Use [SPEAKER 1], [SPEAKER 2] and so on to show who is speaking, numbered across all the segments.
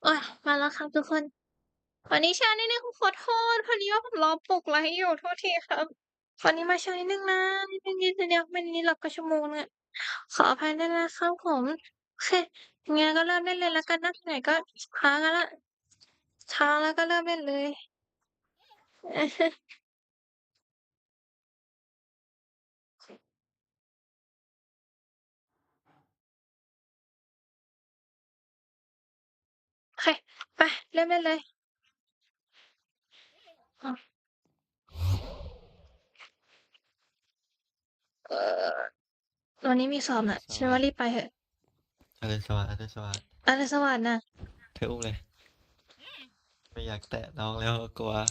[SPEAKER 1] โอ๊ยมาแล้วครับทุกคน วันนี้ช้านิดหนึ่งขอโทษพอดีว่าผมรอปลุกไลฟ์อยู่โทษทีครับวันนี้มาช้านิดหนึ่งนะนิดหนึ่งนิดเดียวไม่นี้หลับก็ชั่วโมงอะขออภัยด้วยนะครับผมโอเคงั้นก็เริ่มเล่นเลยแล้วกันนะไหนก็ช้ากันแล้วช้าแล้วก็เริ่มเล่นเลยโอเคไปเริ่มเล่นเลยอ้าวเอ่อวันนี้มีสอบน่ะฉันว่ารีบไปเถอะ
[SPEAKER 2] อรุณสวัสดิ์อรุณสวัสดิ์
[SPEAKER 1] อรุณสวัสดิ์นะ
[SPEAKER 2] เธออุ้มเลยไม่อยากแตะน้องแล้วกลัว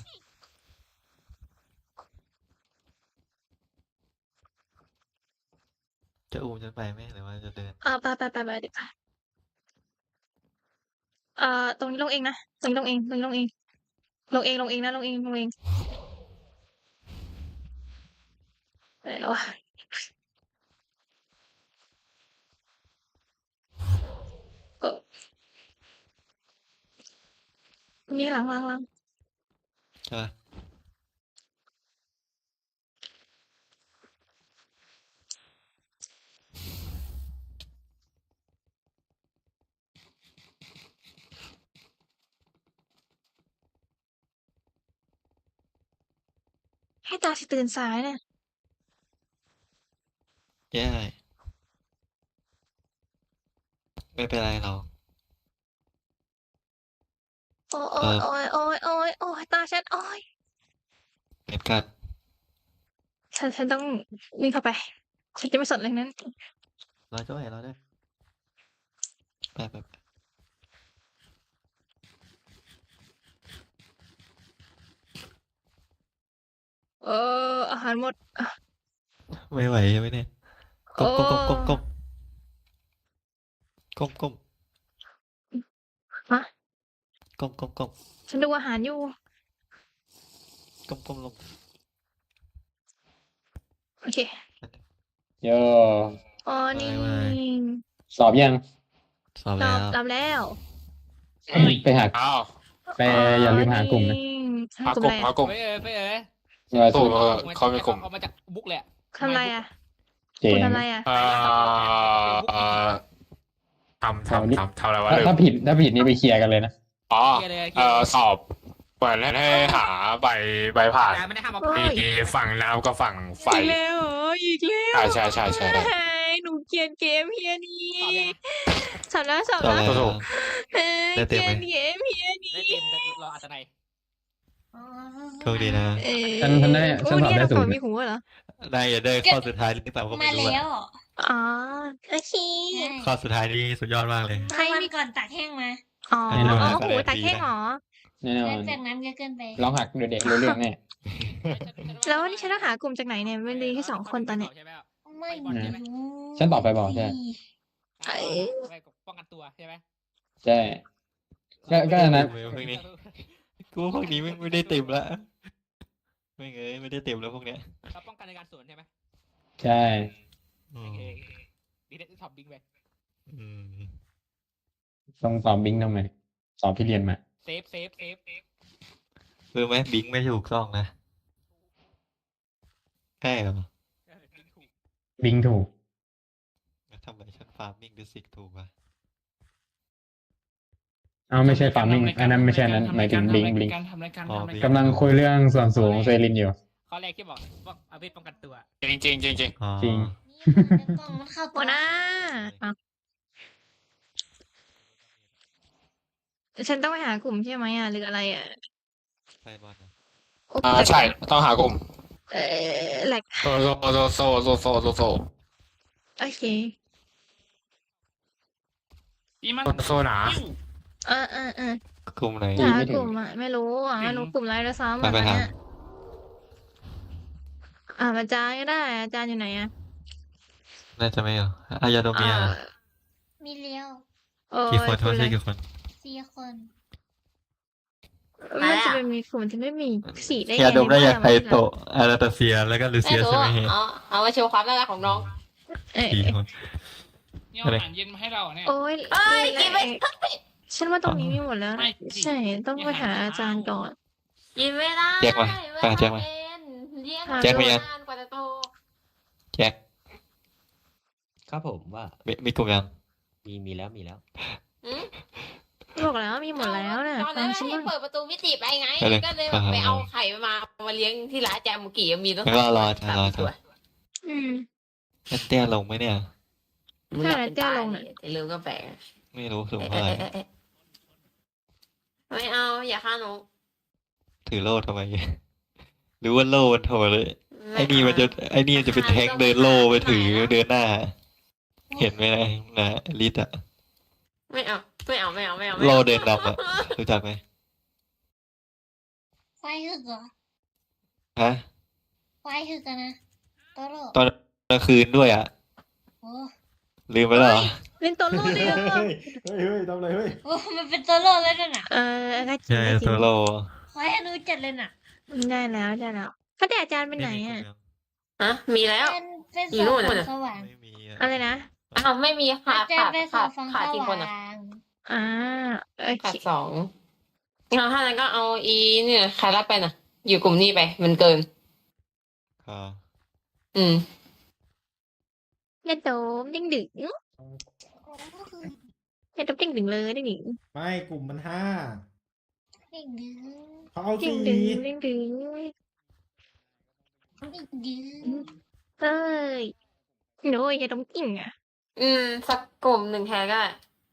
[SPEAKER 2] จะอุ้มฉันไปไหมหรือว่าจะเดิน
[SPEAKER 1] ไปเดี๋ยวไปตรงนี้ลงเองนะตรงนี้ลงเองตรงนี้ลงเองลงเองนะลงเองลงเองไปแล้วอะ เออมีหลัง
[SPEAKER 2] ใช่ปะ
[SPEAKER 1] ให้ตาสิตื่นสายเนี่ย
[SPEAKER 2] แย่ไม่เป็นไรหรอก
[SPEAKER 1] โอ้
[SPEAKER 2] เออ
[SPEAKER 1] โอ้ยตาฉันโอ้ย
[SPEAKER 2] เหมือนกัน
[SPEAKER 1] ฉันต้องวิ่งเข้าไปฉันจะไม่สนอะไรทั้งนั้น
[SPEAKER 2] รอด้วยไป
[SPEAKER 1] เออาหารหมด
[SPEAKER 2] ไม่ไหวใช่ไหมเนี่ย
[SPEAKER 1] เอ
[SPEAKER 2] ก้มก้มก้ม
[SPEAKER 1] ฮะ
[SPEAKER 2] ก้มก้มก้ม
[SPEAKER 1] ฉันดูอาหารอยู่
[SPEAKER 2] ก้มลง
[SPEAKER 1] โอเค
[SPEAKER 3] โย
[SPEAKER 1] อ๋อนี่
[SPEAKER 2] ไม่
[SPEAKER 3] สอบยัง
[SPEAKER 2] สอบ
[SPEAKER 1] ตอบ
[SPEAKER 2] แล้ว
[SPEAKER 1] รับแล้ว
[SPEAKER 3] ไปหา
[SPEAKER 4] อ้าว
[SPEAKER 3] ไปอย่าลืมหากลุ่มนะ
[SPEAKER 1] หากลุ่มอะไร
[SPEAKER 4] หากลุ่ม
[SPEAKER 5] ไปเอ๋
[SPEAKER 3] อย่า
[SPEAKER 4] ถู
[SPEAKER 3] สุ
[SPEAKER 4] ก
[SPEAKER 3] ด
[SPEAKER 4] เขามีกลุ่ม
[SPEAKER 5] เอามาจากบุ๊กเลยอะ
[SPEAKER 1] ทำอะไรอ่ะ
[SPEAKER 3] เจ๋
[SPEAKER 1] คุณ
[SPEAKER 3] ง
[SPEAKER 1] ทำอะไรอ่ะ
[SPEAKER 4] เอ่อทำอะไรวะลืม
[SPEAKER 3] ถ้าผิดนี่ไปเคลียร์กันเลยนะ
[SPEAKER 4] อ๋อ
[SPEAKER 5] เคลียร์เลยเคลียร์เลย
[SPEAKER 4] สอบเหมือนให้หาใบผ่าน
[SPEAKER 5] แต่ไม่ได้ห้ามเอา
[SPEAKER 1] โอ้ย
[SPEAKER 4] มีฝั่งน้ำกับฝั่งไฟ
[SPEAKER 1] อีกแล้วเหรออีกแล้ว
[SPEAKER 4] ใช่
[SPEAKER 1] หนูเกลียดเกมเฮียนี้
[SPEAKER 5] สอบยัง
[SPEAKER 1] สอบ
[SPEAKER 2] สอบ
[SPEAKER 1] แล้ว
[SPEAKER 2] แล้ว
[SPEAKER 4] ถูก
[SPEAKER 1] เฮ้ย
[SPEAKER 2] ได้
[SPEAKER 1] เก
[SPEAKER 2] เต็มไหม
[SPEAKER 1] ลียดเกมเฮียนี้
[SPEAKER 5] ได้เต็มแต่เราอาจจะไหน
[SPEAKER 2] โชคดีนะ
[SPEAKER 3] ฉันได้ฉันสอบได้
[SPEAKER 1] โอ้
[SPEAKER 3] ศู
[SPEAKER 1] เนี่ย
[SPEAKER 3] นย์
[SPEAKER 1] มีหูเหรอ
[SPEAKER 2] ได้อย่าได้ข้อสุดท้ายหรือเปล่าก็ไม่
[SPEAKER 6] มา
[SPEAKER 2] รู้
[SPEAKER 6] แล้
[SPEAKER 2] อะ
[SPEAKER 6] ว
[SPEAKER 1] อ๋อโอเค
[SPEAKER 2] ข้อสุดท้ายนี่สุดยอดมากเลย
[SPEAKER 1] ใคร
[SPEAKER 6] วัน
[SPEAKER 1] มี
[SPEAKER 6] ก่อนตากแห้งมา
[SPEAKER 1] อ๋อ
[SPEAKER 2] แน่นอน
[SPEAKER 1] หูตาแข้งเหรอ
[SPEAKER 3] แน่นอ
[SPEAKER 6] แล้ว
[SPEAKER 3] น
[SPEAKER 6] จากนั้นก็เกินไป
[SPEAKER 3] ร้องหักเดี๋ยวเด็กรู้เรื่องแน่
[SPEAKER 1] แล้ววันนี้ฉันต้องหากลุ่มจากไหนเนี่ยมันมีแค่สองคนตอนเนี้ย
[SPEAKER 5] ใช่ไหม
[SPEAKER 6] ไม่รู้
[SPEAKER 3] ฉันตอบไปบอกใช่
[SPEAKER 5] ไปป้องกันตัวใช่ไหม
[SPEAKER 3] ใช่ก็อันนั้น
[SPEAKER 2] พวกนี้กูว่าพวกนี้ไม่ได้เต็มละไม่ได้เต็มแล้วพวกเนี้ย
[SPEAKER 5] เราป้องกันในการสวนใช่ไหม
[SPEAKER 3] ใช่
[SPEAKER 2] อื
[SPEAKER 5] โอ
[SPEAKER 2] ม
[SPEAKER 5] เคดีเด็ดท็อปบิงไป
[SPEAKER 2] อืม
[SPEAKER 3] ต้องสอบบิงทำไมสอบที่เรียนมา
[SPEAKER 5] เซฟ
[SPEAKER 2] รู้ไหมบิงไม่ถูกต้องนะใช่เหรอ
[SPEAKER 5] บิงถูก
[SPEAKER 3] บิงถูก
[SPEAKER 2] แล้วทำไมฉันฟาร์มมิ่งดูสิกถูกวะ
[SPEAKER 3] เอาไม่ใช่ฟาร์มมิ่งอันนั้นไม่ใช่นั้นหมายถึงบิง
[SPEAKER 5] การทำรายการ
[SPEAKER 2] อ๋อ
[SPEAKER 5] ทำราย
[SPEAKER 2] Bing
[SPEAKER 5] การ
[SPEAKER 3] กำลังคุยเรื่องส่วนสูงเซรินอยู่
[SPEAKER 5] ข้อแรกที่บอกเอาเวทป้องกันตัว
[SPEAKER 4] จริง
[SPEAKER 2] อ๋อ
[SPEAKER 3] จริง
[SPEAKER 6] กล้องมันเข้า
[SPEAKER 1] หัวหน้าฉันต้องไปหากลุ่มใช่ไหมอ่ะหรืออะไรอ่ะ
[SPEAKER 2] ไปบอลนะ
[SPEAKER 4] ใช่ต้องหากลุ่ม
[SPEAKER 1] แหลก
[SPEAKER 4] โซ
[SPEAKER 1] โอเค
[SPEAKER 4] โซหนา
[SPEAKER 1] เออ
[SPEAKER 2] กลุ่มไหน
[SPEAKER 3] ดี
[SPEAKER 1] หา
[SPEAKER 3] ไม่ถึง
[SPEAKER 1] กลุ่มอ่ะไม่รู้อ่ะไม่รู้กลุ่มอะไรด้วยซ้ำ
[SPEAKER 2] ไป
[SPEAKER 1] อ่ะ
[SPEAKER 2] ท
[SPEAKER 1] เนี่ยอาจารย์ก็ได้อาจารย์อยู่ไหนอ่ะ
[SPEAKER 2] น่าจะไม่เหรออายาโดเมีย
[SPEAKER 6] มีเลี้ยว
[SPEAKER 1] โอ้ย
[SPEAKER 2] กี่คนโทษทีกี่คน
[SPEAKER 6] 4 คน
[SPEAKER 1] มันจะเป็นมีกลุ่มที่ไม่มีสีได้
[SPEAKER 2] ยา
[SPEAKER 1] ไง
[SPEAKER 2] ดมได้
[SPEAKER 1] ใน
[SPEAKER 2] ยา
[SPEAKER 1] บ้น
[SPEAKER 2] ไคโตะอาราตาเซียแล้วก็ลูเซียใช่ไหมเฮ้ย
[SPEAKER 6] เอามาโชว์ความน่ารักของน้อง
[SPEAKER 1] เอ้ย
[SPEAKER 2] สี่คน
[SPEAKER 5] นี่เอาอาหารเย็นมาให้เราเนี่ย
[SPEAKER 1] โอ้ย
[SPEAKER 6] เอ้ยกินไม่ได้
[SPEAKER 1] ฉันว่าตรงนี้มีหมดแล้ว
[SPEAKER 5] ไม่
[SPEAKER 1] ใช่ ต้องไปหาอาจารย์ก่อน
[SPEAKER 6] กินไม่ได้
[SPEAKER 2] แจ็คมา
[SPEAKER 6] เว
[SPEAKER 2] ไป
[SPEAKER 6] ลา
[SPEAKER 2] หาแจ็คมา
[SPEAKER 6] เรียนเรียน
[SPEAKER 1] แจ็ค
[SPEAKER 2] มายัง
[SPEAKER 6] นานกว่าจะโต
[SPEAKER 2] แจ็ค
[SPEAKER 3] ครับผมว่า
[SPEAKER 2] มีกลุ่มยัง
[SPEAKER 3] มีแล้ว
[SPEAKER 6] หืม
[SPEAKER 1] บอกแล้วมีหมดแล้วน่ะ
[SPEAKER 6] ตอน
[SPEAKER 1] ฟั
[SPEAKER 6] นั้
[SPEAKER 1] ง
[SPEAKER 6] น
[SPEAKER 1] ฉัน
[SPEAKER 6] ให้
[SPEAKER 1] บ้าง
[SPEAKER 6] เปิดประตูมิติไปไง
[SPEAKER 2] ไปเลย
[SPEAKER 6] ก็เลยแบบไปเอาไข่มาเลี้ยงที่ร้านแจมมุกี้มีต้อง
[SPEAKER 2] งั้นก็รออาจารย์รออาจารย์
[SPEAKER 6] ตัว
[SPEAKER 1] อืม
[SPEAKER 2] นั่นเตี้ยลงไหมเนี่ย
[SPEAKER 6] มึงอยากเป็น
[SPEAKER 1] เตี้ย
[SPEAKER 6] ตาย
[SPEAKER 1] ลงน่ะ
[SPEAKER 6] แต่ลืมก็แปลก
[SPEAKER 2] ไม่รู้สูง
[SPEAKER 6] เอ๊ะ
[SPEAKER 2] เท่าไหร่
[SPEAKER 6] เอ๊ะเอ๊ะไม่เอาอย่าฆ่าหนู
[SPEAKER 2] ถือโล่ทำไม หรือว่าโล่มันโถเลย ไอ้นี่มันจะเป็นแทงค์เดินโล่ไปถือเดินหน้า เห็นไหมนะลิตอะ
[SPEAKER 6] ไม่เอาไม่เอาไม่เอาไม่เอา
[SPEAKER 2] โล่เดินนำอะรู้จักไหม
[SPEAKER 6] ไฟหึกเหรอ
[SPEAKER 2] ฮะ
[SPEAKER 6] ไฟหึกอะนะโตโร่
[SPEAKER 2] ตอนกลางคืนด้วยอะ
[SPEAKER 6] โอ้
[SPEAKER 2] ลืมไปแล้วเหรอ
[SPEAKER 1] เล่นโตโร่เลยเหรอ
[SPEAKER 3] เฮ้ยทำอะไรเฮ้ย
[SPEAKER 6] โอ้มันเป็นโตโร่เลยน่ะ
[SPEAKER 1] ก็จริง
[SPEAKER 2] ใช่
[SPEAKER 1] ก็จริ
[SPEAKER 2] โซ
[SPEAKER 1] ง
[SPEAKER 2] โล่
[SPEAKER 6] ไฟให้รู้จัดเลยน่ะ
[SPEAKER 1] ได้แล้วก็แต่อาจารย์ไปไหนอ่ะ
[SPEAKER 6] ฮะมีแล้ว
[SPEAKER 7] เป็น
[SPEAKER 6] อยู่
[SPEAKER 7] ส
[SPEAKER 6] นู่
[SPEAKER 7] อน ง
[SPEAKER 6] น่ะ
[SPEAKER 7] สว่าง
[SPEAKER 2] ไม่มีอะ
[SPEAKER 1] อะไรนะ
[SPEAKER 6] อ้าวไม่มีขาด
[SPEAKER 7] อาจารย์เป็นสองฟัง
[SPEAKER 6] ขาด
[SPEAKER 7] ส
[SPEAKER 6] กี่คนอ่ะ
[SPEAKER 7] ว่าง
[SPEAKER 1] อ่าโอเค
[SPEAKER 6] ขาดสองงั้นถ้านั้นก็เอาอีเนี่ยใครรับไปน่ะ อยู่กลุ่มนี้ไป มันเกิน
[SPEAKER 2] ค่ะ
[SPEAKER 6] อืม
[SPEAKER 1] อย่าโดมดึงดึงอย่าโดมดึงดึงเลยดึงดึง
[SPEAKER 8] ไม่กลุ่มมันห้า
[SPEAKER 7] เด็กดื้อ
[SPEAKER 8] เขาเอา
[SPEAKER 1] ดึง
[SPEAKER 8] สี่
[SPEAKER 1] ดึงดึงดึง
[SPEAKER 7] เด็กดื้อ
[SPEAKER 1] เอ้ยโน้ยอย่าโดมกิ่งอ่ะ
[SPEAKER 6] สักกลุ่มหนึ่งแทนก็ได้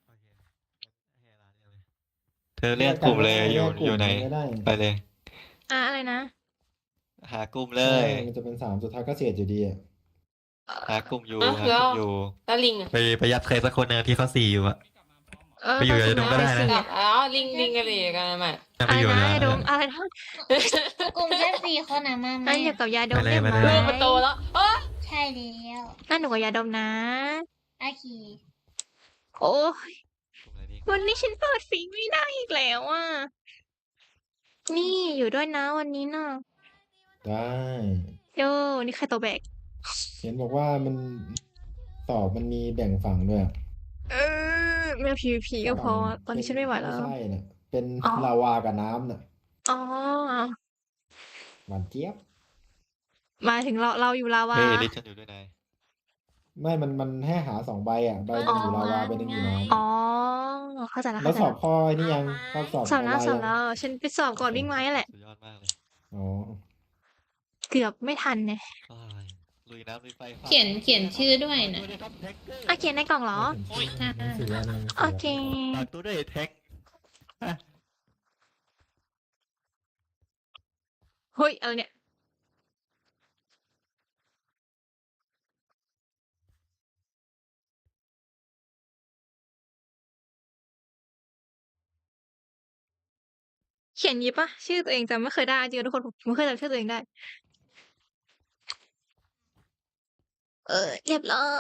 [SPEAKER 2] เธอเรียกกลุ่มเลยอยู่ไหน
[SPEAKER 8] ก็ได้
[SPEAKER 2] ไปเลย
[SPEAKER 1] อะไรนะ
[SPEAKER 2] หากลุ่มเลย
[SPEAKER 8] มันจะเป็นสามสุดท้ายก็เสียอยู่ดีอ่ะ
[SPEAKER 2] หากลุ่มอยู่
[SPEAKER 6] อ่ะ
[SPEAKER 2] หากลุ่มอยู่
[SPEAKER 6] แล้วลิงอ่ะ
[SPEAKER 2] ไปยัดใครสักคนหนึงที่เขา4อยู่อะ ไปอยู่กับไอ้โดมก็ได้นะ
[SPEAKER 6] อ๋อลิงกันเลยกันมา
[SPEAKER 2] จะ
[SPEAKER 1] อะ
[SPEAKER 2] ไป
[SPEAKER 1] ไร
[SPEAKER 2] อยู่
[SPEAKER 1] นะ
[SPEAKER 2] เลย
[SPEAKER 1] อย่าโดมอะไรนะ
[SPEAKER 7] กลุ่มแค่สี่คนอะมาไหม
[SPEAKER 1] นั่นอยู่กับยาดม
[SPEAKER 2] ไปเลย
[SPEAKER 1] ได้ไหม
[SPEAKER 2] ไปเลย
[SPEAKER 6] มันโตแล้วเออ
[SPEAKER 7] ใช่แล้ว
[SPEAKER 1] นั่นหนูกับยาดมนะ
[SPEAKER 7] โอเค
[SPEAKER 1] โอ้ย
[SPEAKER 2] กลุ่มอะไรดี
[SPEAKER 1] วันนี้ฉันเปิดฟีไม่ได้อีกแล้วอ่ะนี่อยู่ด้วยนะวันนี้น่ะ
[SPEAKER 8] ได้
[SPEAKER 1] โยนี่ใครตัวแบก
[SPEAKER 8] เห็นบอกว่ามันสอบมันมีแบ่งฝั่งด้วย
[SPEAKER 1] แม่ PVP ก็พอตอนนี้ฉันไม่ไหวแล้ว
[SPEAKER 8] ไม่ใช่น่ะเป็น
[SPEAKER 1] อ๋อ
[SPEAKER 8] ลาวากับน้ำน่ะ
[SPEAKER 1] อ๋อ
[SPEAKER 8] หวานเจี๊ยบ
[SPEAKER 1] มาถึงเราอยู่ลาวา
[SPEAKER 2] เฮ้ยลิชฉันอยู่ด้วยนาย
[SPEAKER 8] ไม่มันให้หา2 ใบอ่ะใบหนึ่งอยู่ลาวาใบหนึ่งอยู่น้
[SPEAKER 1] อ๋อเข้าใจแล้ว
[SPEAKER 8] ำแล้ว
[SPEAKER 1] เข้าใจ
[SPEAKER 8] สอบ
[SPEAKER 1] แล้ว
[SPEAKER 8] ข้อไอ้นี่ยังข้อสอบ
[SPEAKER 1] สอบแล้ว
[SPEAKER 8] ออน
[SPEAKER 1] ส
[SPEAKER 8] ไล
[SPEAKER 1] อบ
[SPEAKER 8] น์
[SPEAKER 1] แล้วฉันไปสอบก่อนวิ่งไม้แหละ
[SPEAKER 2] สุดยอดมากเลย
[SPEAKER 8] อ๋อ
[SPEAKER 1] เกือบไม่ทันเนี่ย
[SPEAKER 2] อ้ายลุยน้ำลุยไฟฟาด
[SPEAKER 6] เขียนชื่อด้วยนะ
[SPEAKER 1] อ่ะเขียนในกล่องเหรอ
[SPEAKER 8] หนังสืออะไร
[SPEAKER 1] โอเค
[SPEAKER 2] ฝากตัวด้วยแท็ก
[SPEAKER 1] เฮ้ยอะไรเนี่ยเขียนยีปะชื่อตัวเองจำไม่เคยได้จริงๆทุกคนผมไม่เคยจำชื่อตัวเองได้ เรียบร้อย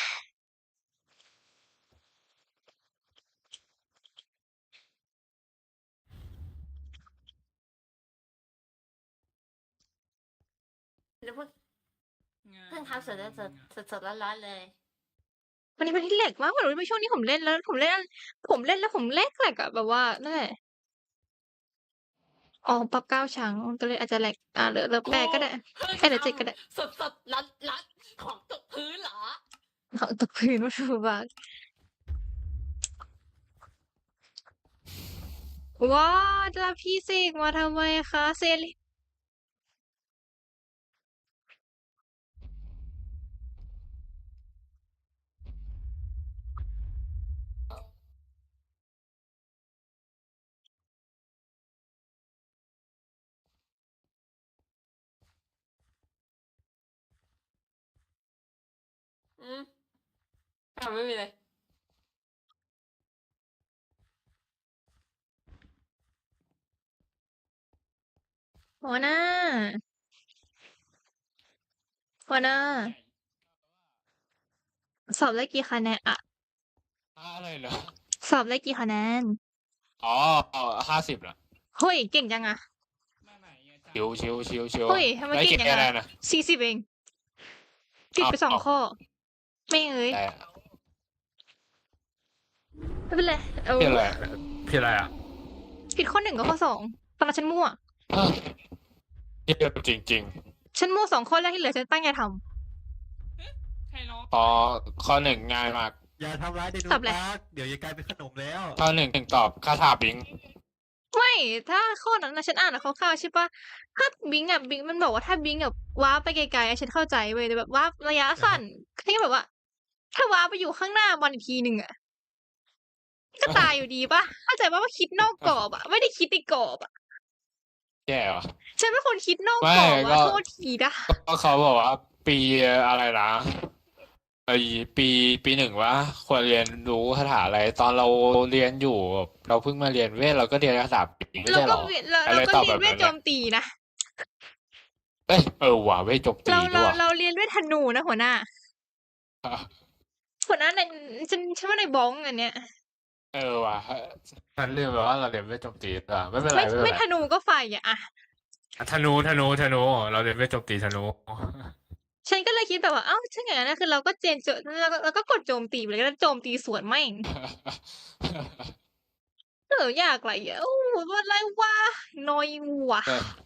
[SPEAKER 6] เพิ่งทำเสร็จแล้วสดร้อนๆเลย
[SPEAKER 1] วันนี้เป็นที่แหลกมากเหมือนว่าช่วงนี้ผมเล่นแล้วผมเล่นแล้วผมแหลกอะแบบว่านั่นแหละอ๋อปรับ9 ชั้นก็เลยอาจจะแหลกเหลือ8ก็ได้เหลือ7ก็ได้
[SPEAKER 6] สดร้อนของตกพื้นเหรอ
[SPEAKER 1] เอาตกพื้นว่าถูกบากว้าวแล้วพี่เสกมาทำไมคะเซรี
[SPEAKER 6] ไม่มีเลย
[SPEAKER 1] หัวหน้าหัวหน้าสอบได้กี่คะแนนอะ
[SPEAKER 4] อะไรเหรอ
[SPEAKER 1] สอบได้กี่คะแนน
[SPEAKER 4] อ๋อ50เหรอ
[SPEAKER 1] เฮ้ยเก่งจังอะ
[SPEAKER 4] ชิว
[SPEAKER 1] เฮ้ยทำไม
[SPEAKER 4] ได้
[SPEAKER 1] เก่ง
[SPEAKER 4] กี่
[SPEAKER 1] จัง
[SPEAKER 4] คะแน
[SPEAKER 1] อะ
[SPEAKER 4] นนะ
[SPEAKER 1] 40เองผิดไป
[SPEAKER 4] อ้าว
[SPEAKER 1] 2 ข้อ ไม่เอ้ย
[SPEAKER 4] แต่
[SPEAKER 1] ไม่เป็นไรเอา
[SPEAKER 4] พี่อะไรพี่อะไรอ่ะ
[SPEAKER 1] ผิดข้อ1กับข้อ2ตอนนั้นฉันมั่ว
[SPEAKER 4] เที่ยวจริง
[SPEAKER 1] ฉันมั่ว2ข้อแรกที่เหลือฉันตั้งใจท
[SPEAKER 5] ใครร้อง
[SPEAKER 4] ๆข้อหนึ่งง่ายมาก
[SPEAKER 2] อย่าทำร้ายเดนู
[SPEAKER 1] ตอบเลย
[SPEAKER 2] ปาร์คเดี๋ยวจะกลายเป็นขนมแล้ว
[SPEAKER 4] ข้อหนึ่งตอบคาถาบิง
[SPEAKER 1] ไม่ถ้าข้อนั้นนะฉันอ่านคร่าวๆใช่ปะถ้าบิงอ่ะบิงมันบอกว่าถ้าบิงแบบว้าร์ปไปไกลๆอะฉันเข้าใจเว้ยแต่แบบว้าร์ประยะสั้นแค่แบบว่า ถ้าว้าร์ปไปอยู่ข้างหน้ามันอีกทีหนึ่งอ่ะก็ตายอยู่ดีปะเข้าใจว่าคิดนอกกรอบอ่ะไม่ได้คิดในกรอบอ่ะ
[SPEAKER 4] แย่เหรอ
[SPEAKER 1] ฉันเป็นคนคิดนอก
[SPEAKER 4] ไม่
[SPEAKER 1] กรอบ
[SPEAKER 4] ก็
[SPEAKER 1] อ่ะโทษทีนะ
[SPEAKER 4] ก็เขาบอกว่าปีอะไรนะไอปีหนึ่งวะควรเรียนรู้คาถาอะไร ตอนเราเรียนอยู่แบบเราเพิ่งมาเรียนเวทเราก็เรียนคาถาบิงไม่
[SPEAKER 1] เรา
[SPEAKER 4] ใช่เหร
[SPEAKER 1] ก็
[SPEAKER 4] อ
[SPEAKER 1] เวียนเรา
[SPEAKER 4] อะไร
[SPEAKER 1] ก็
[SPEAKER 4] ตอบ
[SPEAKER 1] เรียน
[SPEAKER 4] แบบ
[SPEAKER 1] เว
[SPEAKER 4] นั้
[SPEAKER 1] ท
[SPEAKER 4] น
[SPEAKER 1] โจ
[SPEAKER 4] เนี่ย
[SPEAKER 1] มตีนะ
[SPEAKER 4] เอ้ยว่ะเวทโจมตี
[SPEAKER 1] เรา
[SPEAKER 4] ด้วย
[SPEAKER 1] เราเรียนเวทธนูนะหัวหน้าในฉันว่าในบ้องอันเนี้ย
[SPEAKER 4] ว่ะฉันลืมไปว่าเราเรียนเวทโจมตีอ่ะไม่เป็นไร
[SPEAKER 1] ไม่
[SPEAKER 4] ไม่เป็น
[SPEAKER 1] ไม่
[SPEAKER 4] ไร
[SPEAKER 1] ธนูก็ไฟอ่ะ
[SPEAKER 4] ธนูเราเรียนเวทโจมตีธนู
[SPEAKER 1] ฉันก็เลยคิดแบบว่าเอ้าถ้าอย่างนั้นนะคือเราก็เจนโจเราก็กดโจมตีไปเลยแล้วโจมตีสวนแม่งอยากอะไรอ่ะโอ้ว่าอะไรวะนอยว่ะ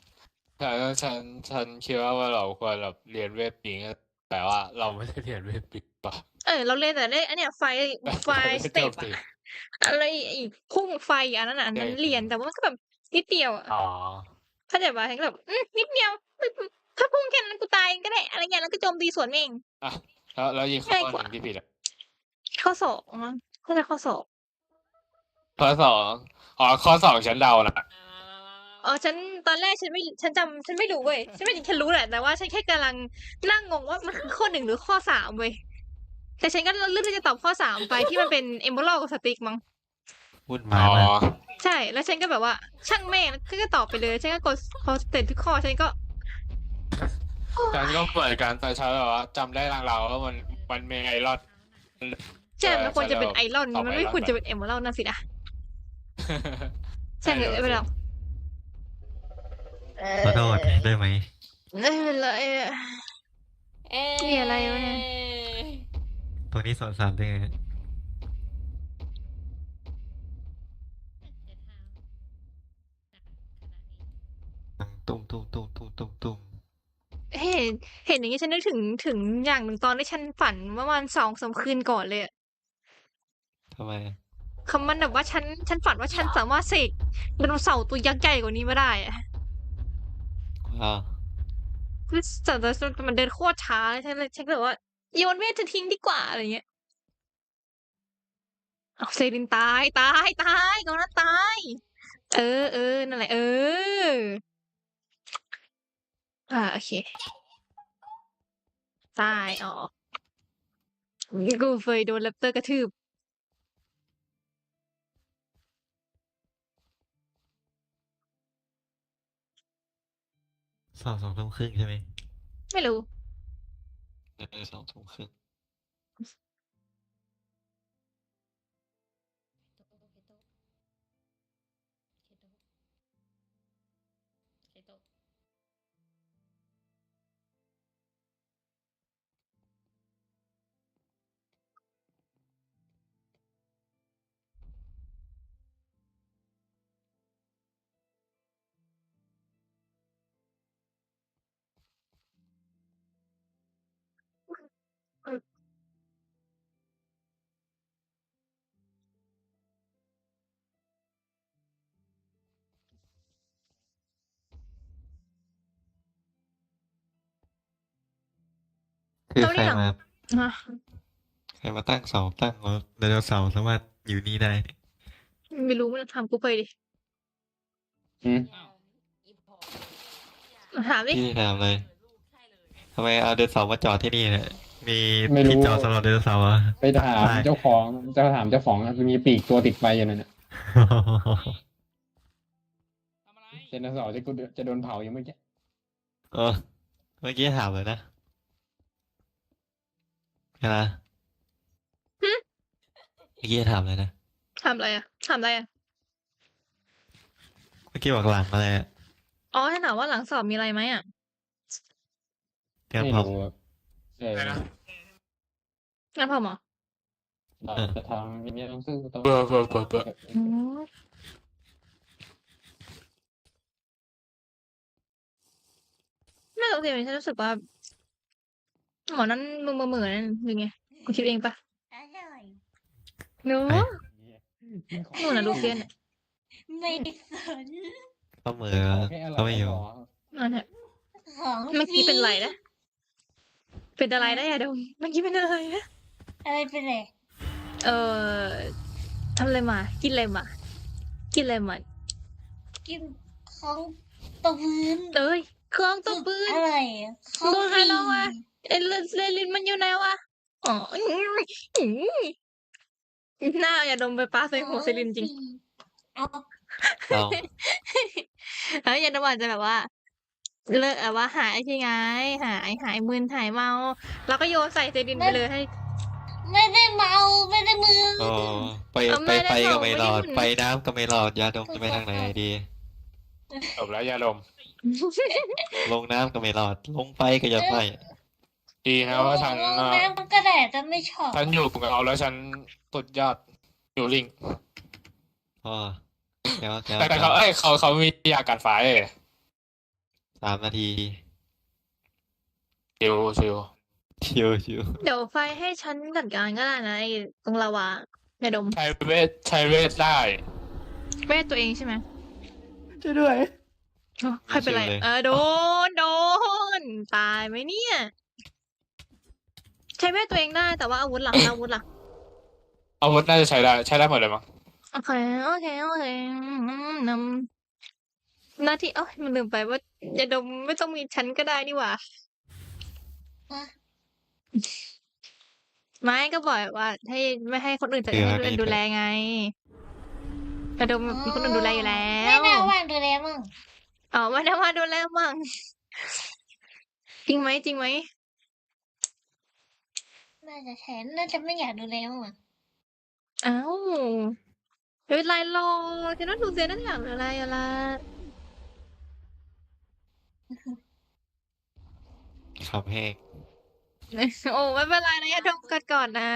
[SPEAKER 4] ฉันคิดว่าเราควรแบบเรียนเวทปิงแต่ว่าเราไม่ได้เรียนเวทปิงป่ะ
[SPEAKER 1] เราเล่นแต่เล่นอันเนี้ยไฟ
[SPEAKER 4] ไม่
[SPEAKER 1] ส
[SPEAKER 4] ได้
[SPEAKER 1] เต็ป
[SPEAKER 4] โจมตี
[SPEAKER 1] อะอะไรอีกพุ่งไฟอันนั้นอันนั้นเรียนแต่ว่ามันก็แบบนิดเดียวอ่ะ
[SPEAKER 4] อ๋อ
[SPEAKER 1] เข้าใจป่ะฉันก็แบบนิดเดียวถ้าพุ่งแค่นั้นกูตายก็ได้อะไรเงี้ยแล้วก็โจมตีสวนแม่ง
[SPEAKER 4] อ่ะแล้วอีกข้อหนึ่งที่ผิดอ่ะ
[SPEAKER 1] ข้อสองมั้งเข้าใจข้อสอง
[SPEAKER 4] ข้อสองข้อสองฉันเดานะ
[SPEAKER 1] ฉันตอนแรกฉันไม่รู้เว้ยฉันรู้แหละแต่ว่าฉันแค่กำลังนั่งงงว่ามันคือข้อ1หรือข้อ3เว้ยแต่ฉันก็เลือกที่จะตอบข้อ3ไปที่มันเป็น Emerald กับสติ๊กมั้ง
[SPEAKER 2] วุ่น
[SPEAKER 4] อ๋
[SPEAKER 2] วาย
[SPEAKER 4] อ
[SPEAKER 2] มาก
[SPEAKER 1] ใช่แล้วฉันก็แบบว่าช่างแม่งก็ตอบไปเลยฉันก็กดพอเสร็จทุกข้อฉันก็
[SPEAKER 4] ฉันก็เหมือนกันแต่ฉันแบบว่าจำได้ลางๆว่ามันมีไอรอน
[SPEAKER 1] ใช่มันควรจะเป็นไอรอน
[SPEAKER 4] ตอบ
[SPEAKER 1] มันไม่
[SPEAKER 4] Iron
[SPEAKER 1] ควรจะเป็น Emerald นั่นสินะใช่เลยไม่เป็นไร
[SPEAKER 2] ขอโทษได้ไหม
[SPEAKER 1] ไม่เป็นไรอะ มีอะไรวะเนี่ย
[SPEAKER 2] ตรงนี้สอนสามได้ไง ตุ้มตุ้มตุ้มตุ้มตุ้มตุ้ม
[SPEAKER 1] เห็นอย่างนี้ฉันนึกถึงอย่างหนึ่งตอนที่ฉันฝันเมื่อวัน2-3 คืนก่อนเลยอะ
[SPEAKER 2] ทำไมอะ
[SPEAKER 1] คำมันแบบว่าฉันฝันว่าฉันสามารถเสกไดโนเสาร์ตัวยักษ์ใหญ่กว่านี้มาได้อะ
[SPEAKER 2] ว้าว
[SPEAKER 1] คือแต่มันเดินโคตรช้าเลยฉันก็แบบว่าโยนเวทจะทิ้งดีกว่าอะไรเงี้ยเอาเซรินตายกองนั้นตายนั่นแหละโอเคตายอ๋อกูเคยโดนแรปเตอร์กระทืบ
[SPEAKER 2] 2 ทุ่มครึ่งใช่ไหม
[SPEAKER 1] ไม่รู้
[SPEAKER 2] 2 ทุ่มครึ่งคือ
[SPEAKER 1] เรา
[SPEAKER 2] ใคร
[SPEAKER 1] ได้หลัง
[SPEAKER 2] มา
[SPEAKER 1] ฮะ
[SPEAKER 2] ใครมาตั้งเสาตั้งว่าไดโนเสาร์สามารถอยู่นี่ได้
[SPEAKER 1] ไม่รู้มันถามกูไปดิ
[SPEAKER 3] อืม
[SPEAKER 1] ถามดิ
[SPEAKER 2] พี่ถามเลยทำไมเอาไดโนเสาร์มาจอดที่นี่เนี่ยมี
[SPEAKER 3] ไม่รู้
[SPEAKER 2] ที่จอดสำหรับไดโนเสาร์เหรอ
[SPEAKER 3] ไปถาม
[SPEAKER 2] ได้
[SPEAKER 3] เจ้าของมีปีกตัวติดไฟอยู่นั่นน่ะ
[SPEAKER 5] ทำอะไร
[SPEAKER 3] เจนสอจะโดนเผายังไม่แก่
[SPEAKER 2] เออเมื่อกี้ถามเลยนะใช่ไหมเมื่อกี้ถามเลยนะ
[SPEAKER 1] ถามอะไรอ่ะ
[SPEAKER 2] เมื่อกี้บอกหลังอะไรอะ
[SPEAKER 1] อ๋อให้ถามว่าหลังสอบมีอะไรไหมอ่ะ
[SPEAKER 2] เตรียม
[SPEAKER 3] ไม่
[SPEAKER 2] พร้อม
[SPEAKER 3] รู้อะ
[SPEAKER 4] อะไรนะ
[SPEAKER 1] งั้นพอหมอ
[SPEAKER 3] เราจะทำอย่างนี้ต้องสู้ต้อง
[SPEAKER 4] เบอร์เบอร์เบอร์เบอร์
[SPEAKER 1] อืมไม่โอเคฉันรู้สึกว่าหมอนั้นมึงเหมือนนั่นหรือไงกูคิดเองปะ
[SPEAKER 7] อร่อย
[SPEAKER 1] หนู
[SPEAKER 2] ไอ้
[SPEAKER 1] หนูน่ะลูเซียนอะ
[SPEAKER 7] ไม่สน
[SPEAKER 2] เขาเหมือ
[SPEAKER 3] แค่อร่
[SPEAKER 2] เขาไม่อยู่
[SPEAKER 1] นั่นแหละ
[SPEAKER 7] ของ
[SPEAKER 1] เมื่อกี้เป็นไรนะเป็นอะไรนะอย่าดมเมื่อกี้เป็นอะไรนะ
[SPEAKER 7] อะไรเป็นไร
[SPEAKER 1] เออทำอะไรมา กินอะไรมา กินอะไรมา
[SPEAKER 7] กินของตะพื้น
[SPEAKER 1] เอ้ยเครื่องตบปืน
[SPEAKER 7] อร่อยของ
[SPEAKER 1] โดนใคร
[SPEAKER 7] ฟรี
[SPEAKER 1] ลองวะ เอเลลินมันอยู่ไหนวะอ๋อหน้าอย่าดมไปป้าใส่หัวเซลินจริง
[SPEAKER 7] เอา
[SPEAKER 2] เรา
[SPEAKER 1] แล้วอย่าดมอาจจะแบบว่า เลิกว่าหายใช่ไงหายมึนหายเมา แล้วก็โยนใส่เซลินไปเลยให้
[SPEAKER 7] ไม่ได้เมาไม่ได้มือ
[SPEAKER 2] โอ้ไป
[SPEAKER 1] เอาไม่ได้
[SPEAKER 2] ก็
[SPEAKER 1] บอก
[SPEAKER 2] ไม่
[SPEAKER 1] ไม่
[SPEAKER 2] ร
[SPEAKER 1] ได้
[SPEAKER 2] อด
[SPEAKER 1] หมุน
[SPEAKER 2] ไปน้ำก็ไม่รอดยาดมจะไปทางไหนดี
[SPEAKER 4] จบแล้วยาดม
[SPEAKER 2] ลงน้ำก็ไม่รอด ลงไปก็ยังไม่
[SPEAKER 4] ดีนะว่าฉัน
[SPEAKER 7] ลงน้ำมันก็ได้แต่ไม่ชอบ
[SPEAKER 4] ฉันอยู่กับเขาแล้วฉันสุดยอดอยู่ลิง
[SPEAKER 2] พ่อแล้ว
[SPEAKER 4] แต่เขามียากันไฟ
[SPEAKER 2] 3 นาที
[SPEAKER 4] ชิว
[SPEAKER 2] ชิว
[SPEAKER 1] เดี๋ยวไฟให้ฉันจัดการก็ได้นะไอ้ตรงลาวาอย่าดม
[SPEAKER 4] ใช้เวทได้
[SPEAKER 1] เวทตัวเองใช่ไหม
[SPEAKER 2] ช่วยด้วย
[SPEAKER 1] อ๋อใครเป็นไร
[SPEAKER 2] ชิวเลย
[SPEAKER 1] โดนตายไหมเนี่ย ใช้เวทตัวเองได้แต่ว่าอาวุธหลักอาวุธหลัก
[SPEAKER 4] อาวุธน่าจะใช้ได้หมดเลยมั้ง
[SPEAKER 1] โอเคนำหน้าที่มันลืมไปว่าอย่าดมไม่ต้องมีฉันก็ได้นี่หว่า ไม่ก็บอกว่าให้ไม่ให้คนอื่นให้คนอื่นดูแลไงอย่าดมมีคนอื่นดูแลอยู่แล้
[SPEAKER 7] ไม่
[SPEAKER 1] ว
[SPEAKER 7] ได้ว่างดูแลมั่ง
[SPEAKER 1] อ๋อไม่ได้ว่าดูแลมั่งจริงไหม
[SPEAKER 7] น่าจะแทนน่าจะไม่อยากดูแลมั่งอะ
[SPEAKER 1] อ้าวไม่เป็นไรหรอกฉันว่าดูเซียนั่นอย่างอะไร
[SPEAKER 2] ขับแห้ง
[SPEAKER 1] โอ้ไม่เป็นไรนะอย่าดมกันก่อนนะ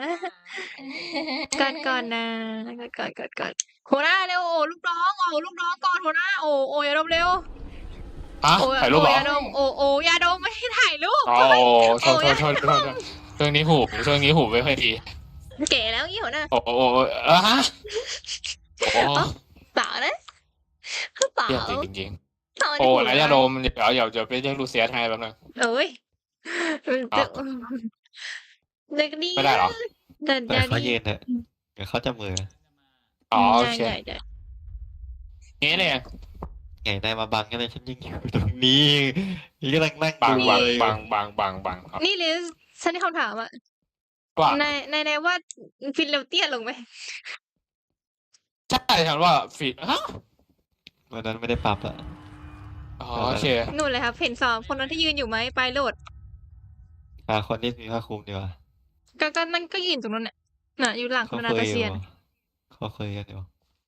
[SPEAKER 1] ก่อนนะก่อนหัวหน้าเร็วโอ้ลูกน้องลูกน้องก่อนหัวหน้าโอ้อย่าดมเร็ว
[SPEAKER 4] ฮะ
[SPEAKER 1] โอ้
[SPEAKER 4] ถ่ายรูปเหรอ
[SPEAKER 1] อย่าดมอย่าดมไม่ให้ถ่ายรูป
[SPEAKER 4] อ๋อโทษช่วงนี้หูไม่ค่อยดี
[SPEAKER 1] เก๋แล้วยี่หัวหน้า
[SPEAKER 4] โอ้ฮะโอ้
[SPEAKER 1] เปล่านะเปล่า
[SPEAKER 4] เยี่ยมจริง
[SPEAKER 1] เปล่า
[SPEAKER 4] ๆโอ้แล้วยาดมเดี๋ยวจะไปเรียกลูเซียสให้แป๊บนึง
[SPEAKER 1] เอ้ย
[SPEAKER 4] อ้าว
[SPEAKER 1] เด็กดี
[SPEAKER 4] ไม่ได้เหรอ
[SPEAKER 1] แต่
[SPEAKER 2] ปล่อยเขา
[SPEAKER 1] ดี
[SPEAKER 2] ยืนเถอะเดี๋ยวเขาจะเหมือ
[SPEAKER 4] อ๋อโอเค
[SPEAKER 1] ได้
[SPEAKER 4] งี้เนี่ย
[SPEAKER 2] ไงนายมาบังกันเลยฉันยังอยู่ตรงนี้นี่กำลังนั่ง
[SPEAKER 4] บัง
[SPEAKER 2] ดู
[SPEAKER 4] บัง
[SPEAKER 2] เลย
[SPEAKER 4] บังครับ
[SPEAKER 1] นี่ลิสฉันมีคำถามอะ
[SPEAKER 4] ว่า
[SPEAKER 1] ในว่าฟินเลวเตี้ยลงไหม
[SPEAKER 4] ใช่ฉันว่าฟีดฮะ
[SPEAKER 2] วันนั้นไม่ได้ปรับอะ
[SPEAKER 4] อ๋อโอเค
[SPEAKER 1] นู่นเลยครับเห็นสองคนนั้นที่ยืนอยู่ไหมไปโหลด
[SPEAKER 2] หาคนที่มีผ้าคลุมดีกว่า
[SPEAKER 1] ก็นั่นก็ยืนตรงนั้นน่ะอยู่หลัง
[SPEAKER 2] เขา
[SPEAKER 1] คุณนา
[SPEAKER 2] เค
[SPEAKER 1] ตาย
[SPEAKER 2] อ
[SPEAKER 1] เซี
[SPEAKER 2] ยู่
[SPEAKER 1] ยน
[SPEAKER 2] เขาเคยกันอยู่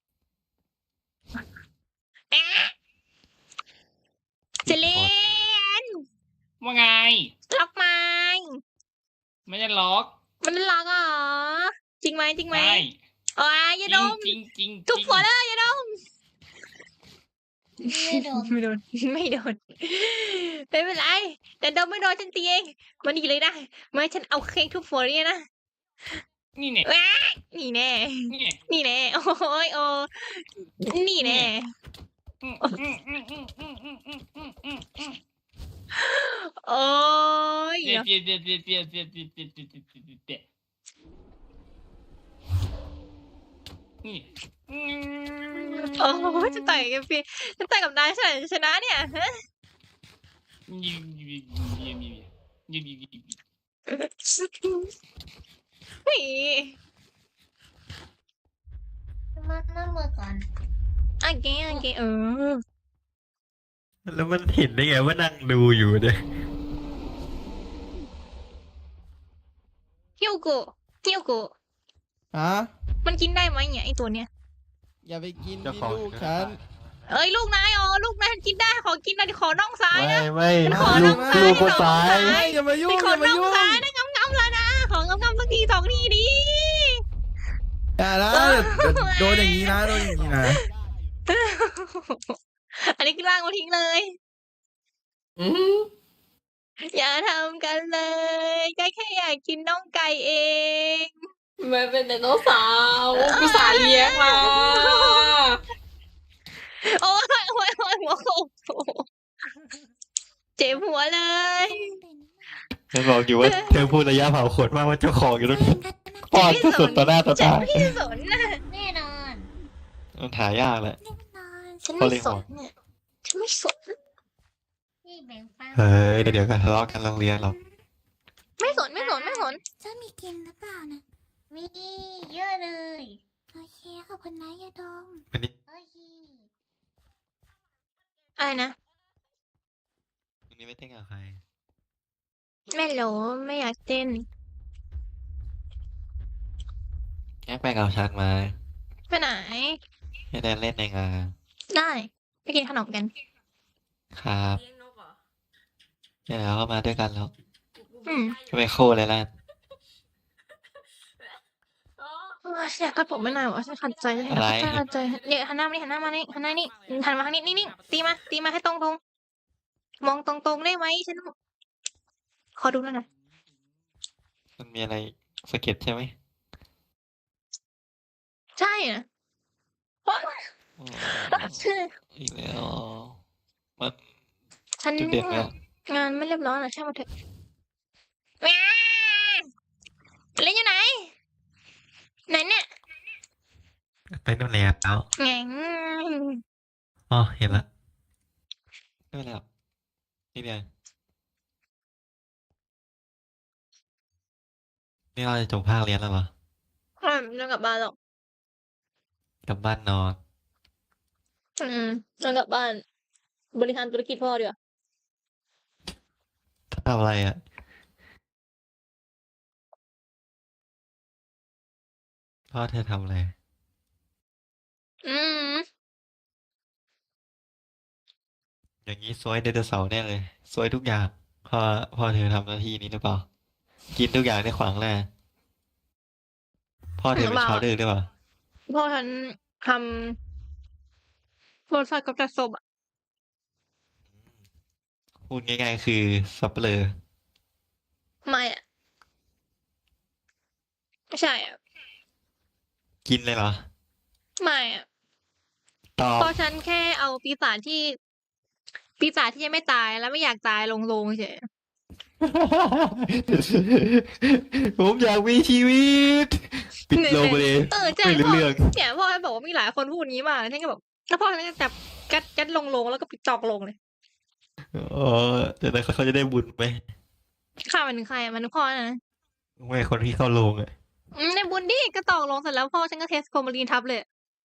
[SPEAKER 1] เจเลน
[SPEAKER 5] ว่าไง
[SPEAKER 1] ล็อกไหม
[SPEAKER 5] ไม่ได้ล็อก
[SPEAKER 1] มันล็อกเหรอจริงไหม
[SPEAKER 5] ใช่
[SPEAKER 1] อ๋ออย่าดม
[SPEAKER 5] จริง
[SPEAKER 1] ทุกคนเลยอย่าดม
[SPEAKER 7] ไม่โดน
[SPEAKER 1] ไม่โดน ไม่เป็นไรแต่ดมไม่โดนฉันตีเองมาดีเลยนะไม่ให้ฉันเอาเค้กทุบหัวเนี่ยนะ
[SPEAKER 5] นี่เนี่ย
[SPEAKER 1] ว้านี่แน่
[SPEAKER 5] นี่
[SPEAKER 1] นี่แน่โอ้ยนี่แน่
[SPEAKER 5] อืม
[SPEAKER 1] โอ้ย
[SPEAKER 5] เดี๋ยว นี่
[SPEAKER 1] โอ้ยจะต่อยกับพี่จะต่อยกับนายชนะเนี่ยฮะนี่
[SPEAKER 7] มาหน้ามือก่อน
[SPEAKER 1] โอเค
[SPEAKER 2] แล้วมันเห็นได้ไงว่านั่งดูอยู่เนี่ย
[SPEAKER 1] ฮิวโกะ
[SPEAKER 9] ฮะ
[SPEAKER 1] มันกินได้ไหมเนี่ยไอตัวเนี้ย
[SPEAKER 9] อย่าไปกิน
[SPEAKER 2] เจ้า
[SPEAKER 9] ดิ
[SPEAKER 2] ของ
[SPEAKER 9] ลูกฉัน
[SPEAKER 1] เอ้ยลูกนายลูกนายกินได้ขอกินหน่อยขอน่องซ้ายนะ
[SPEAKER 2] ไม่
[SPEAKER 1] ขอ
[SPEAKER 2] ลู
[SPEAKER 1] น้
[SPEAKER 2] ก
[SPEAKER 1] องซ้าย
[SPEAKER 2] ลูกคนซ้าย
[SPEAKER 9] อย่ามายุ่ง
[SPEAKER 1] ข
[SPEAKER 9] อ
[SPEAKER 1] อย่าง
[SPEAKER 9] มา
[SPEAKER 1] น่อง
[SPEAKER 9] ยุ่ง
[SPEAKER 1] ซ้ายนะงำๆแล้วนะของำๆสักทีสองทีดิ
[SPEAKER 9] อย่านะโดนอย่างนี้นะโดนอย่างนี้นะ
[SPEAKER 1] อันนี้คือล่างมาทิ้งเลย
[SPEAKER 6] อืม
[SPEAKER 1] อย่าทำกันเลยก็แค่อยากกินน่องไก่เอง
[SPEAKER 6] มันเป็นไดโนเสาร์กูสาเลี้ยงมา
[SPEAKER 1] โอ้ยโอ้ยโอ้ยหัวโขกเจ็บหัวเลย
[SPEAKER 2] ฉันบอกอยู่ว่าเธอพูดระยะเผาขนมากว่าเจ้าของอยู่ตรงนี้ป้อนก็สุดต่อหน้าต่อ
[SPEAKER 1] ฉั
[SPEAKER 2] ตาน
[SPEAKER 1] ไม่สนนะ
[SPEAKER 7] แน่นอน
[SPEAKER 2] มันหายากแหละ
[SPEAKER 7] แน่นอน
[SPEAKER 1] ฉันไม่สนเนี่ยฉันไม่สน
[SPEAKER 7] นี่แบ่งปัน
[SPEAKER 2] เฮ้ยเดี๋ยวกันทะเลาะกันโรงเรียนหรอก
[SPEAKER 1] ไม่สนไม่สนไม่สน
[SPEAKER 7] จะมีกินหรือเปล่านะมีเยอะเลยโอเคขอบคุณนะยาดม
[SPEAKER 2] วันนี้
[SPEAKER 7] โอเค
[SPEAKER 1] อะไรนะ
[SPEAKER 2] วันนี้ไม่เต้นกับใคร
[SPEAKER 1] ไม่รู้ไม่อยากเต้น
[SPEAKER 2] แยกไปกับชักมา
[SPEAKER 1] ไปไหน
[SPEAKER 2] ให้ได้เล่นในงาน
[SPEAKER 1] ได้ไปกินขนมกัน
[SPEAKER 2] ครับ
[SPEAKER 6] เลี้ยงนกเหรอ
[SPEAKER 2] เนี่ยแล้วก็มาด้วยกันแล้ว
[SPEAKER 1] อืม
[SPEAKER 2] ก็ไปโคเลยล่ะ
[SPEAKER 1] อยากกัดผมไม่นานวะฉันขัดใจเลย
[SPEAKER 2] อะไร
[SPEAKER 1] ฉันขัดใจเนี่ยหันหน้ามานี่หันหน้ามานี่หันหน้านี่หันมาทางนี้นี่ตีมาให้ตรงมองตรงได้ไหมฉันขอดูหน่อยนะ
[SPEAKER 2] มันมีอะไรสะเก็ดใช่ไหม
[SPEAKER 1] ใช่นะเพราะ
[SPEAKER 2] อ๋ออีกแล้วมัน
[SPEAKER 1] ฉัน
[SPEAKER 2] จุดเด่นเนี่ย
[SPEAKER 1] งานไม่เรียบร้อยนะช่างมันเถอะแหม่เล่นอยู่ไหนเนี่ย
[SPEAKER 2] ไปนู่นแล้ว
[SPEAKER 1] แหง
[SPEAKER 2] อ๋อเห็นละไม่เป็นไรหรอกนี่เดียวนี่เราจะจบภาคเรียนแล้วเหรอ
[SPEAKER 1] ไม่ต้องกลับบ้านหรอก
[SPEAKER 2] กลับบ้านนอน
[SPEAKER 1] ต้องกลับบ้าน บริหารธุรกิจพ่อดีกว่า
[SPEAKER 2] ทำอะไรอ่ะพ่อเธอทำอะไร
[SPEAKER 1] อืม
[SPEAKER 2] อย่างนี้ซวยไดโนเสาร์แน่เลยซวยทุกอย่างพ่อเธอทำหน้าที่นี้หรือเปล่า กินทุกอย่างในขวางหน้าพ่อเธอเป็นชาวดื้อหรือเปล่า
[SPEAKER 1] พ่อฉันทำรสชาติกับจัดศพอ่ะ
[SPEAKER 2] พูดง่ายๆคือสับเปลือ
[SPEAKER 1] ไม่อ่ะไม่ใช่อ่ะ
[SPEAKER 2] กินเลยเหรอ
[SPEAKER 1] ไม่อ่ะ
[SPEAKER 2] ตอบ
[SPEAKER 1] เพราะฉันแค่เอาปีศาจที่ยังไม่ตายแล้วไม่อยากตายลงเฉย
[SPEAKER 2] ผมอยากมีชีวิต ปิดโลงไปเลย
[SPEAKER 1] ใช่
[SPEAKER 2] ไม่รู้
[SPEAKER 1] พ่อ
[SPEAKER 2] เรื่อง
[SPEAKER 1] เนี่ยพ่อฉันบอกว่ามีหลายคนพูดอย่างนี้มาฉันก็แบบแล้วพ่อฉันก็จับยัดลงแล้วก็ปิดจอกลงเลย
[SPEAKER 2] อ๋อแต่นั้นเขาจะได้บุญไหม
[SPEAKER 1] ข้ามันถึงใครอะมันถึงพ่อนะ
[SPEAKER 2] ไม่คนที่เข้าโรงอ่ะ
[SPEAKER 1] ในบุญดิก็ตอกลงเสร็จแล้วพ่อฉันก็เทสโฟมารีนทับเลย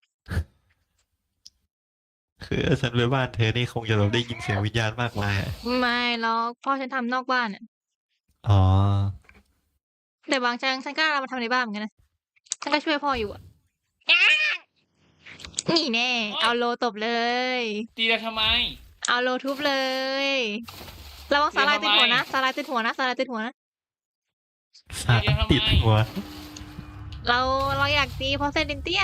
[SPEAKER 2] คือฉันไปบ้านเธอนี่คงจะแบบได้ยินเสียงวิญญาณมากมายอะ
[SPEAKER 1] ไม่หรอกพ่อฉันทำนอกบ้านอ่ะ
[SPEAKER 2] อ๋อ
[SPEAKER 1] แต่บางครั้งฉันก็เอามาทำในบ้านเหมือนกันนะฉันก็ช่วยพ่ออยู่อ่ะนี่แน่ เอาโลตบเลย
[SPEAKER 5] ตีเราทำไม
[SPEAKER 1] เอาโลทุบเลยระวังสาลายติดหัวนะสาลายติดหัวนะสาลายติดหัวนะ
[SPEAKER 2] สาดติดหัว
[SPEAKER 1] เราอยากตีเพราะเซนตินเตี้ย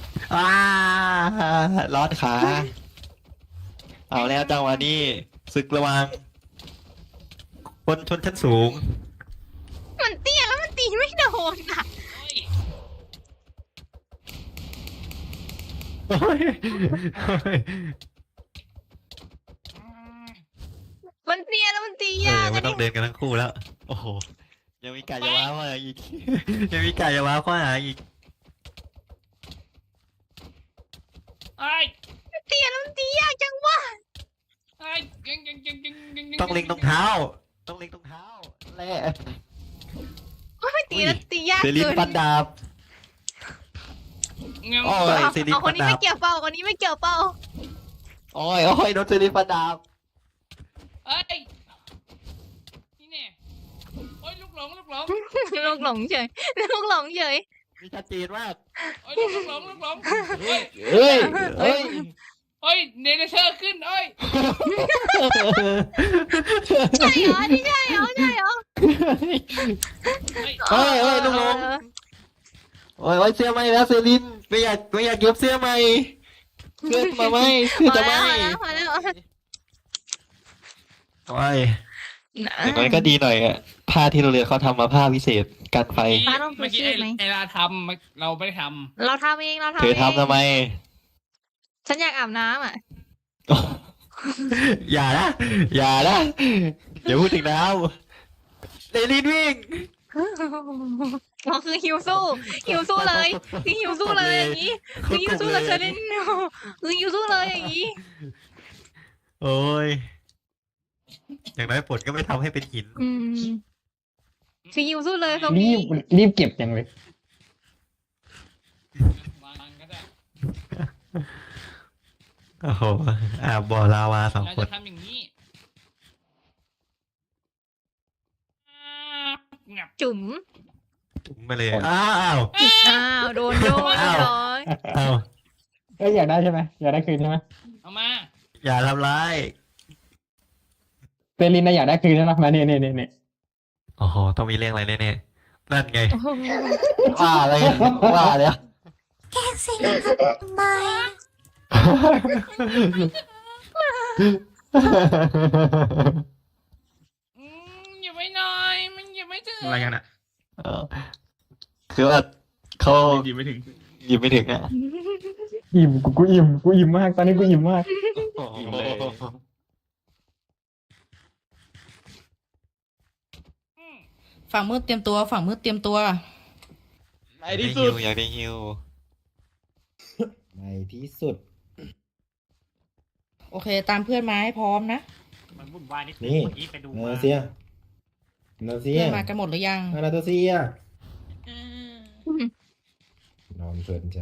[SPEAKER 2] ร้อนขา เอาแล้วจังหวะนี้ศึกระหวังคนชนชั้นสูง
[SPEAKER 1] มันเตี้ยแล้วมันตีไม่โดนอ่ะ
[SPEAKER 2] โอ้ยโอ้ย
[SPEAKER 1] มันเตี้ยแล้วมันตี
[SPEAKER 2] เออย
[SPEAKER 1] าก
[SPEAKER 2] ไม่
[SPEAKER 1] อะ
[SPEAKER 2] ต้องเดินกันทั้งคู่แล้ว โอ้โห ยังมีไก่จะว้าวมาอีก ยังมีไก่จะว้าวเข้าหาอีก
[SPEAKER 5] ไอ้ย
[SPEAKER 1] เตี้ยแล้วมันตียากจังวะ
[SPEAKER 5] ไอ้ยยัง
[SPEAKER 2] ต้องเล็งตรงเท้า ต้องเล็งตรงเท้าแหละ
[SPEAKER 1] ไม่ตีแล้วตียาก
[SPEAKER 2] เซริน
[SPEAKER 1] เกิน
[SPEAKER 2] ฟันดาบ
[SPEAKER 5] งั้น
[SPEAKER 2] โอ้ย
[SPEAKER 1] เอา
[SPEAKER 2] เซริน
[SPEAKER 1] เอาค
[SPEAKER 2] ฟั
[SPEAKER 1] น
[SPEAKER 2] น
[SPEAKER 1] นี้
[SPEAKER 2] ดา
[SPEAKER 1] ไม่
[SPEAKER 2] บ
[SPEAKER 1] เกี่ยวเป้าคนนี้ไม่เกี่ยวเป้า
[SPEAKER 2] โอ้ยโอ้ยโดนเซรินฟันดาบ
[SPEAKER 5] เอ้ยนี่แน่โอ้ยลูกหลง
[SPEAKER 1] ลูกหลงเฉยลูกหลงเฉย
[SPEAKER 2] มีชัดเจนมาก
[SPEAKER 5] โอ้ยลูกหลงโอ้ย
[SPEAKER 2] เฮ้ย เฮ้ย
[SPEAKER 5] โอ้ยเนเธอร์ขึ้นโอ้ย
[SPEAKER 1] ใช่เหรอนี่ใช่เหรอ
[SPEAKER 5] เฮ้ย
[SPEAKER 2] เฮ้ยเฮ้ยลูกหลง
[SPEAKER 1] เออ
[SPEAKER 2] โอ้ยเสื้อไหมแล้วเซรินไม่อยากเก็บเสื้อไหมเสื้อมาไหมเสื้อจะไหม
[SPEAKER 1] พอแล้ว
[SPEAKER 2] โอ้ยอย่างน้อยก็ดีหน่อยอะผ้าที่โรงเรียนเขาทำมาผ้าพิเศษกันไฟ
[SPEAKER 1] ฟ้าต้อง
[SPEAKER 5] เมื่อกี้
[SPEAKER 1] ชูชีพไหม
[SPEAKER 5] ไอ้ลาทำเราไม่ได้ท
[SPEAKER 1] เราทำเองเราทำ
[SPEAKER 2] เธ
[SPEAKER 1] เอ
[SPEAKER 2] อง ทำทำไม
[SPEAKER 1] ฉันอยากอาบน้ำอ่ะ
[SPEAKER 2] อย่านะอย่าพูดถึงน้ำเซรินวิ่ง
[SPEAKER 1] อ๋อคือหิวสู้เลยคือหิวสู้เลยอย่างนี้คือหิวสู้เลยเชลินคือหิวสู้เลยอย่างนี้
[SPEAKER 2] โอ้ยอย่างน้อยผลก็ไม่ทำให้เป็นหิน
[SPEAKER 1] คือหิวสู้เลยซอม
[SPEAKER 3] รี
[SPEAKER 1] บี้
[SPEAKER 3] บเก็บอย่างเลย
[SPEAKER 5] ำวางก็ได้
[SPEAKER 2] โอ้โหบ่อลาวาสอง
[SPEAKER 5] เรา
[SPEAKER 2] คน
[SPEAKER 5] จะทำอย่างนี้งับ
[SPEAKER 1] จุ๋ม
[SPEAKER 2] จุ่มไปเลยอ้าว
[SPEAKER 1] โดนเรียบร้อย
[SPEAKER 2] อ้าว
[SPEAKER 3] เอ้ยอยากได้ใช่ไหมอยากได้คืนใช่ไหม
[SPEAKER 5] เอามา
[SPEAKER 2] อย่าทำร้าย
[SPEAKER 3] เซรินนะอยากได้คืนใช่ไหมมาเนี่ย
[SPEAKER 2] โอ้โหต้องมีเรื่องอะไรแน่ๆนั่นไงว่าอะไรว่าแล้ว
[SPEAKER 7] แกล้งสิทำไม
[SPEAKER 5] อย่าไว้หน่อยมันอย่าไม่ถึง
[SPEAKER 9] อะไรกันอ่ะ
[SPEAKER 2] เออคือว่าเขา
[SPEAKER 9] ดีไม่ถึง
[SPEAKER 2] หยิบไม่ถึงอ่ะ
[SPEAKER 3] อิ่มกูอิ่มมากตอนนี้กูอิ่มมาก
[SPEAKER 9] อิ่มเลย
[SPEAKER 10] ฝั่งมืดเตรียมตัว ฝั่งมืดเตรียมตัว
[SPEAKER 2] อยากได้ฮิวอยากได้ฮิว
[SPEAKER 8] ในที่สุด
[SPEAKER 10] โอเค ตามเพื่อนมาให้พร้อมนะ
[SPEAKER 9] มันวุ่นวายนิด
[SPEAKER 8] นี่
[SPEAKER 9] เมื่อกี้ไปดู
[SPEAKER 8] นา
[SPEAKER 9] มา
[SPEAKER 8] เซียนาเซีย
[SPEAKER 10] เพื่อนมากันหมดหรือยัง
[SPEAKER 8] นาตัวเซียนอนเพลินจ้ะ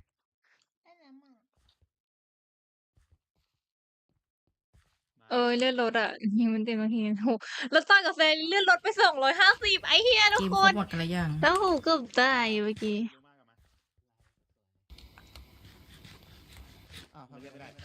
[SPEAKER 1] เลื่อนรถอ่ะยิงมันเต็มทีโหแล้วต้ากับแฟนเลื่อนรถไป250ไอ้เฮียทุก
[SPEAKER 10] ทีม
[SPEAKER 1] ค
[SPEAKER 10] ครบ
[SPEAKER 1] น
[SPEAKER 10] หมดกันหรือยัง
[SPEAKER 1] แล้วโหเกือบตายเมื่อกี้
[SPEAKER 9] อ้าวทำไม่ได้